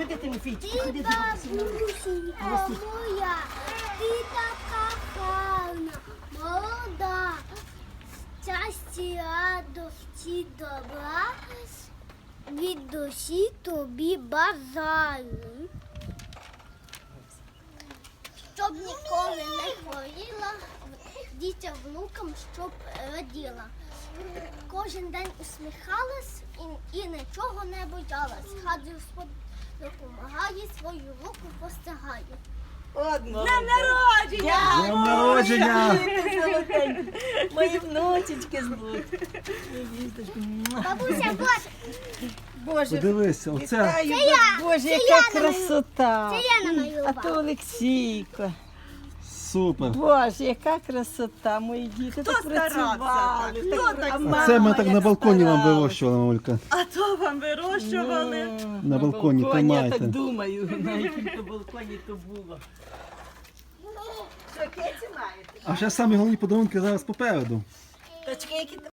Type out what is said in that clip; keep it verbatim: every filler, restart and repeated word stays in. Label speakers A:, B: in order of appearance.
A: Ходи, Тимофійчик,
B: Ти
A: ходи,
B: бабусенька моя, ти така гарна, молода, щастя, радості, добра, від душі тобі бажаю. Щоб ніколи не хворіла, дітям внукам, щоб раділа. Кожен день усміхалась і, і нічого не боялась. Хай Господь допомагає, свою руку постигає.
A: Одно.
C: Днем народження!
D: Днем народження!
A: Мої внучечки звуть.
B: Бабуся, Боже,
A: Боже,
D: Подивися, оце
A: вітаю,
B: Це я,
A: Боже,
B: це
A: яка
B: я намалю-
A: красота.
B: це я намалювала.
A: А то Олексійко.
D: супер.
A: Боже, яка красота, мої діти так працювали.
C: так? Хто
A: так
C: так
A: а
C: старався?
A: мама
D: Це ми так
A: як
D: на балконі вам
A: старалась.
D: вирощували, мамулька.
C: А то вам вирощували.
A: Ну,
D: На балконі,
A: я
D: тримайте.
A: так думаю, на якому то балконі то було. Що, кеці маєте?
D: А ще самі головні подарунки зараз попереду.
A: Точки, які